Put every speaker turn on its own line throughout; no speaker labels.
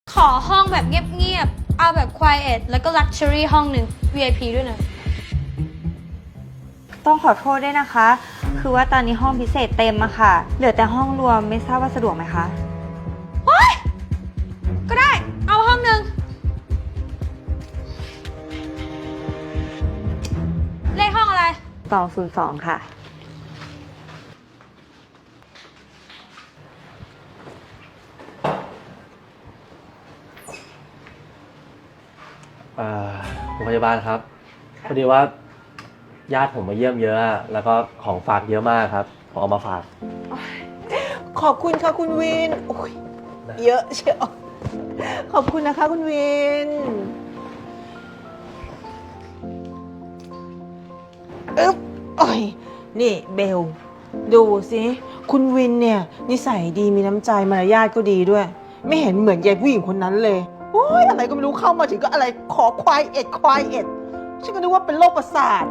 ขอห้องแบบเงียบๆ เอาแบบ quiet แล้วก็ luxury ห้องหนึ่ง VIP ด้วยนะ
ต้องขอโทษด้วยนะคะ คือว่าตอนนี้ห้องพิเศษเต็มอะค่ะ เหลือแต่ห้องรวมไม่ทราบว่าสะดวกไหมคะ
ก็ได้ เอาห้องหนึ่ง เลขห้องอะไร
202 ค่ะ
โรงพยาบาลครับพอดีว่าญาติผมมาเยี่ยมเยอะแล้วก็ของฝากเยอะมากครับผมเอามาฝาก
ขอบคุณค่ะคุณวินโอ้ยเยอะเชียวขอบคุณนะคะคุณวินอึ๊บโอ้ยนี่เบล ดูสิคุณวินเนี่ยนิสัยดีมีน้ำใจมารยาทก็ดีด้วย ไม่เห็นเหมือนยายผู้หญิงคนนั้นเลยโอ้ยอะไรก็ไม่รู้เข้ามาถึงก็อะไรขอควายเอ็ดฉันก็นึกว่าเป็นโรคประสาท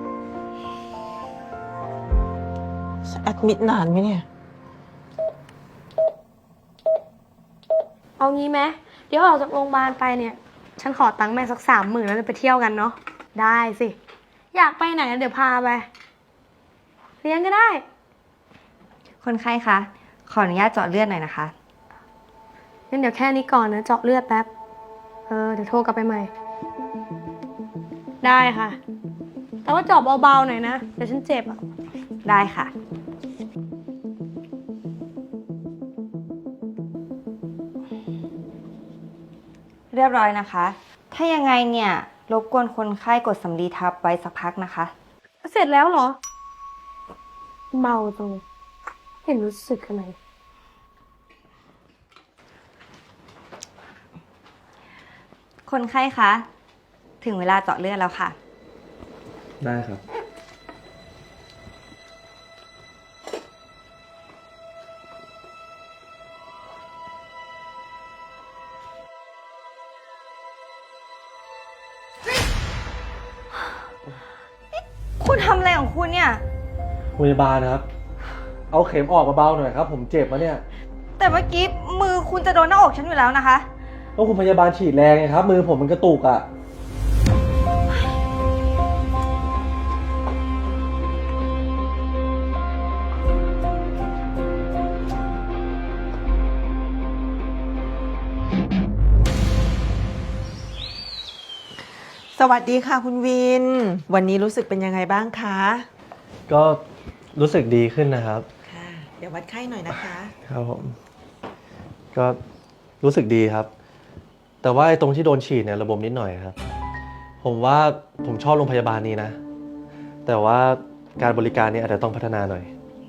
แอดมิดนานไหมเนี่ย
เอางี้ไหมเดี๋ยวออกจากโรงพยาบาลไปเนี่ย ฉันขอตังค์แม่สัก30,000แล้วเราไปเที่ยวกันเนาะ ได้สิ อยากไปไหนเดี๋ยวพาไป เลี้ยงก็ได้
คนไข้คะ ขออนุญาตเจาะเลือดหน่อยนะคะ
งั้นเดี๋ยวแค่นี้ก่อนนะ เจาะเลือดแป๊บ เดี๋ยวโทรกลับไปใหม่ ได้ค่ะ แต่ว่าเจาะเบาๆหน่อยนะ เดี๋ยวฉันเจ็บอ่ะ
ได้ค่ะ เรียบร้อยนะคะ ถ้ายังไงเนี่ย รบกวนคนไข้กดสำลีทับไว้สักพักนะคะ
เสร็จแล้วเหรอ เมาจังเลยเห็นรู้สึกอะไร
คนไข้คะ ถึงเวลาเจาะเลือดแล้วค่ะ
ได้ครับ
คุณทำอะไรของคุณเนี่ย
พยาบาลครับ เอาเข็มออกมาเบาหน่อยครับผมเจ็บมาเนี่ย
แต่เมื่อกี้มือคุณจะโดนหน้าอกฉันอยู่แล้วนะคะ
ก็คุณพยาบาลฉีดแรงไงครับมือผมมันกระตุกอ่ะ
สวัสดีค่ะคุณวิน วันนี้รู้สึกเป็นยังไงบ้างคะ
ก็รู้สึกดีขึ้นนะครับ
ค่ะ เดี๋ยววัดไข้หน่อยนะคะ
ครับผมก็รู้สึกดีครับ แต่ว่าไอ้ตรงที่โดนฉีดเนี่ยระบมนิดหน่อยครับ ผมว่าผมชอบโรงพยาบาลนี้นะ แต่ว่าการบริการเนี่ยอาจจะต้องพัฒนาหน่อย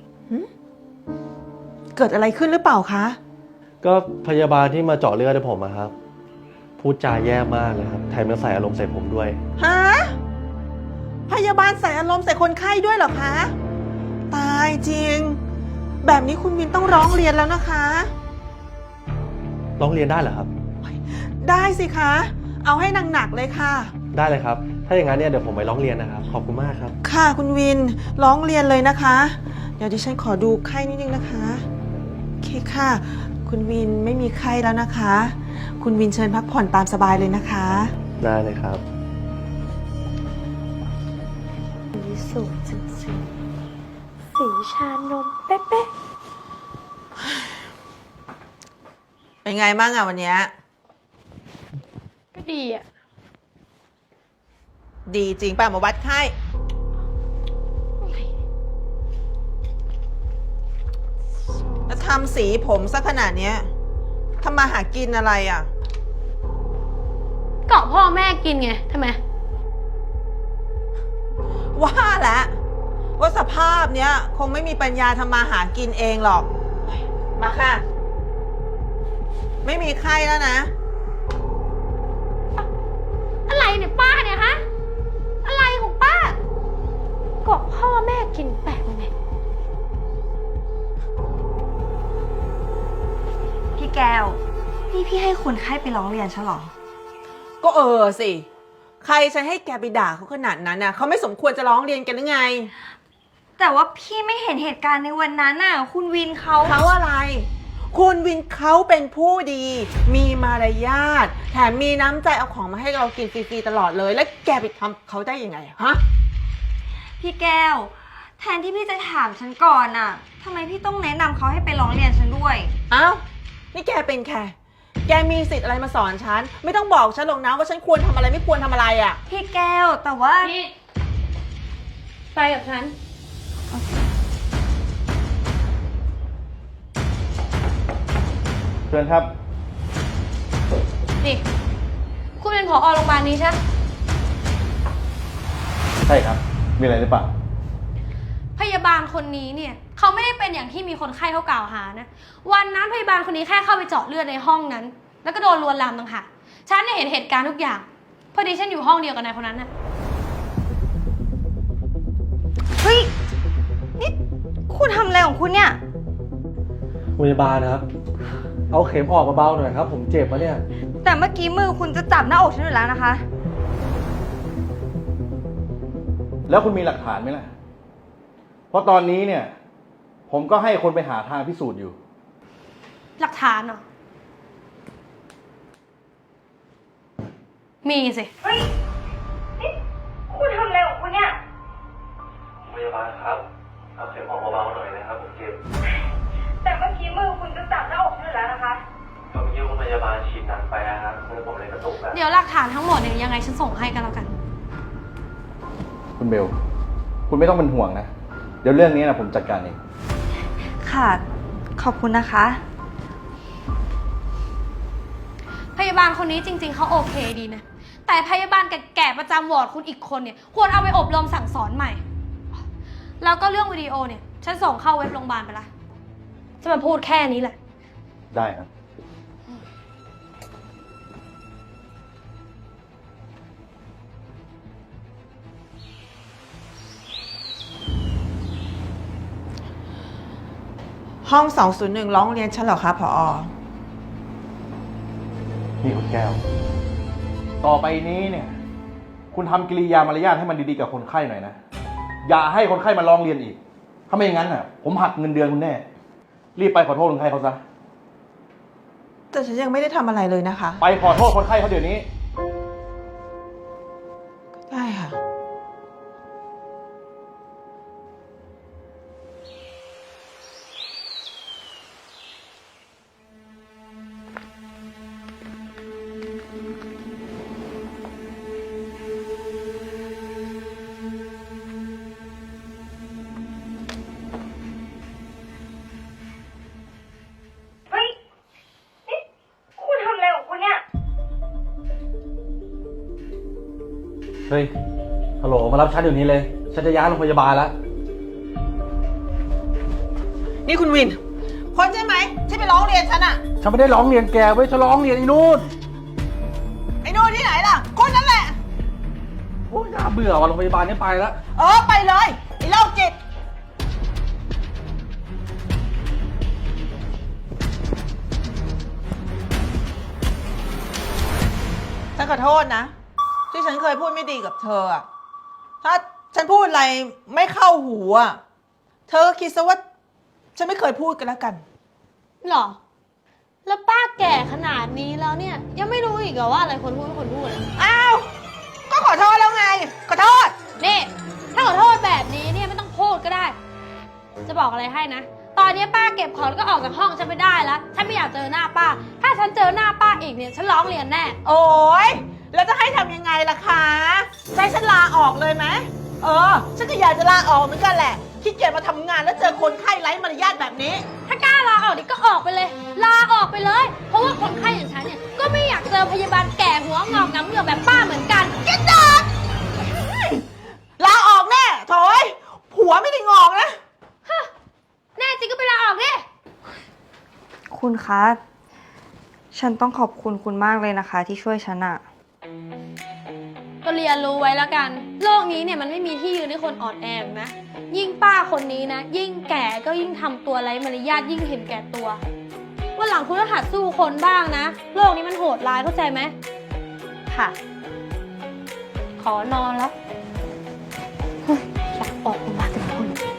เกิดอะไรขึ้นหรือเปล่าคะ
ก็พยาบาลที่มาเจาะเลือดให้ผมอะครับ พูดจาแย่มากเลยครับแถมยังใส่อารมณ์ใส่ผมด้วย
ฮะ พยาบาลใส่อารมณ์ใส่คนไข้ด้วยเหรอคะ ตายจริง แบบนี้คุณวินต้องร้องเรียนแล้วนะคะ
ร้องเรียนได้เหรอครับ
ได้สิคะ เอาให้หนักๆเลยค่ะ
ได้เลยครับ ถ้าอย่างนั้นเนี่ยเดี๋ยวผมไปร้องเรียนนะครับ ขอบคุณมากครับ
ค่ะคุณวิน ร้องเรียนเลยนะคะ เดี๋ยวดิฉันขอดูไข้นิดนึงนะคะ โอเคค่ะ คุณวินไม่มีไข้แล้วนะคะ คุณวินเชิญพักผ่อนตามสบายเลยนะคะ
ได้เลยครับ
สีสูงจริงๆสีชานมเป๊ะ
เป็นไงบ้างอะวันเนี้ย
ๆก็ดีอ่ะ
ดีจริงป่ะมาวัดไข้แล้วทำสีผมซะขนาดเนี้ยทำมาหากินอะไรอ่ะ
เกาะพ่อแม่กินไงทำไม
ว่าแล้วว่าสภาพเนี้ยคงไม่มีปัญญาทำมาหากินเองหรอก มาค่ะ ไม่มีไข้แล้วนะ
อะไรเนี่ยป้าเนี่ยฮะ อะไรของป้าเกาะพ่อแม่กินแปลกยังไง
พี่แก้ว นี่พี่ให้คนไข้ไปร้องเรียนใช่หรอ
ก็สิ ใครจะให้แกไปด่าเขาขนาดนั้นน่ะเขาไม่สมควรจะร้องเรียนกันหรือไง
แต่ว่าพี่ไม่เห็นเหตุการณ์ในวันนั้นน่ะ คุณวินเขา
เขาอะไรคุณวินเขาเป็นผู้ดี มีมารยาทแถมมีน้ำใจเอาของมาให้เรากินฟรีๆตลอดเลย แล้วแกไปทำเขาได้ยังไงฮะ
พี่แก้ว แทนที่พี่จะถามฉันก่อนน่ะทำไมพี่ต้องแนะนำเขาให้ไปร้องเรียนฉันด้วย
เอ้านี่แกเป็นใครแกมีสิทธิ์อะไรมาสอนฉันไม่ต้องบอกฉันหรอกนะว่าฉันควรทำอะไรไม่ควรทำอะไรอ่ะ
พี่แก้วแต่ว่า
นี่ไปกับฉัน
เชิญครับ
นี่ คุณเป็นผอโรงพยาบาลนี้ใช่ไหม
ใช่ครับ มีอะไรหรือเปล่า
พยาบาลคนนี้เนี่ยเขาไม่ได้เป็นอย่างที่มีคนไข้เขากล่าวหานะ วันนั้นพยาบาลคนนี้แค่เข้าไปเจาะเลือดในห้องนั้น แล้วก็โดนลวนลามต่างหากฉันเนี่ยเห็นเหตุการณ์ทุกอย่าง พอดีฉันอยู่ห้องเดียวกับนายคนนั้นน่ะ
เฮ้ย นี่คุณทำอะไรของคุณเนี่ย
พยาบาลนะครับ เอาเข็มออกมาเบาหน่อยครับ ผมเจ็บมาเนี่ย
แต่เมื่อกี้มือคุณจะจับหน้าอกฉันอยู่แล้วนะคะ
แล้วคุณมีหลักฐานไหมล่ะ เพราะตอนนี้เนี่ย ผมก็ให้คนไปหาทางพิสูจน์อยู่
หลักฐานเหรอ มีสิ
เฮ้ย นี่คุณทำอะไรของคุณเนี่ย
พยาบาลครับ เอาเข็มออกมาเบาหน่อยนะครับผมเจ็บ
แต่เมื่อกี้มือคุณจะจับหน้าอกฉันอยู่แล้วนะคะ
ผมยิ้วคุณพยาบาลฉีดหนักไปนะครับมือผมเลยกระตุกแล้ว
เดี๋ยวหลักฐานทั้งหมดเนี่ยยังไงฉันส่งให้กันแล้วกัน
คุณเบล คุณไม่ต้องเป็นห่วงนะ เดี๋ยวเรื่องนี้นะผมจัดการเอง
ค่ะ ขอบคุณนะคะ
พยาบาลคนนี้จริงๆเขาโอเคดีนะ แต่พยาบาลแก่ๆประจำวอร์ดคุณอีกคนเนี่ยควรเอาไปอบรมสั่งสอนใหม่ แล้วก็เรื่องวิดีโอเนี่ยฉันส่งเข้าเว็บโรงพยาบาลไปละจะมาพูดแค่นี้แหละ
ได้ครับ
ห้อง 201 ร้องเรียนฉันเหรอคะผอ
นี่คุณแก้ว ต่อไปนี้เนี่ย คุณทำกิริยามารยาทให้มันดีๆกับคนไข้หน่อยนะ อย่าให้คนไข้มาร้องเรียนอีก ถ้าไม่อย่างนั้นน่ะ ผมหักเงินเดือนคุณแน่ รีบไปขอโทษคนไข้เขาซะ
แต่ฉันยังไม่ได้ทำอะไรเลยนะคะ
ไปขอโทษคนไข้เขาเดี๋ยวนี้
ได้ค่ะ
เฮ้ย นี่คุณทำอะไรของคุณเนี่ย
เฮ้ย ฮัลโหล มารับฉันเดี๋ยวนี้เลย ฉันจะย้ายโรงพยาบาลแล้ว
นี่คุณวิน คนใช่ไหมที่ไปร้องเรียนฉันอะ
ฉันไม่ได้ร้องเรียนแกเว้ย ฉันร้องเรียนไอ้นู่น
ไอ้โน่นที่ไหนล่ะ คนนั้นแหละ
โอ้ยน่าเบื่อว่ะโรงพยาบาลนี้ไปแล้ว
ไปเลย ไอ้โรคจิต ฉันขอโทษนะ ที่ฉันเคยพูดไม่ดีกับเธออะถ้าฉันพูดอะไรไม่เข้าหูอะเธอก็คิดซะว่าฉันไม่เคยพูดกันแล้วกัน
หรอ แล้วป้าแก่ขนาดนี้แล้วเนี่ย ยังไม่รู้อีกเหรอว่าอะไรคนพูดไม่คนพูดอะ
อ้าว ก็ขอโทษแล้วไง ขอโทษ
นี่ถ้าขอโทษแบบนี้เนี่ยไม่ต้องพูดก็ได้ จะบอกอะไรให้นะ ตอนนี้ป้าเก็บของแล้วก็ออกจากห้องฉันไม่ได้แล้ว ฉันไม่อยากเจอหน้าป้า ถ้าฉันเจอหน้าป้าอีกเนี่ยฉันร้องเรียนแน่
โอ๊ย แล้วจะให้ทำยังไงล่ะคะจะให้ฉันลาออกเลยไหมฉันก็อยากจะลาออกเหมือนกันแหละขี้เกียจมาทำงานแล้วเจอคนไข้ไร้มารยาทแบบนี้
ถ้ากล้าลาออกนี่ก็ออกไปเลย ลาออกไปเลย เพราะว่าคนไข้อย่างฉันเนี่ยก็ไม่อยากเจอพยาบาลแก่หัวงอกน้ำเหลืองแบบป้าเหมือนกันเก็ตดอด
ลาออกแน่โถยผัวไม่ได้งอกนะ
แน่จริงก็ไปลาออกดิ
คุณคะ ฉันต้องขอบคุณคุณมากเลยนะคะ ที่ช่วยฉันอะ
ก็เรียนรู้ไว้แล้วกัน โลกนี้เนี่ยมันไม่มีที่ยืนให้คนอ่อนแอหรอกนะ ยิ่งป้าคนนี้นะ ยิ่งแก่ก็ยิ่งทำตัวไร้มารยาทยิ่งเห็นแก่ตัววันหลังคุณก็หัดสู้คนบ้างนะ โลกนี้มันโหดร้ายเข้าใจไหมค่ะ ขอนอนแล้วเฮ้ยอยากออกมาแต่คน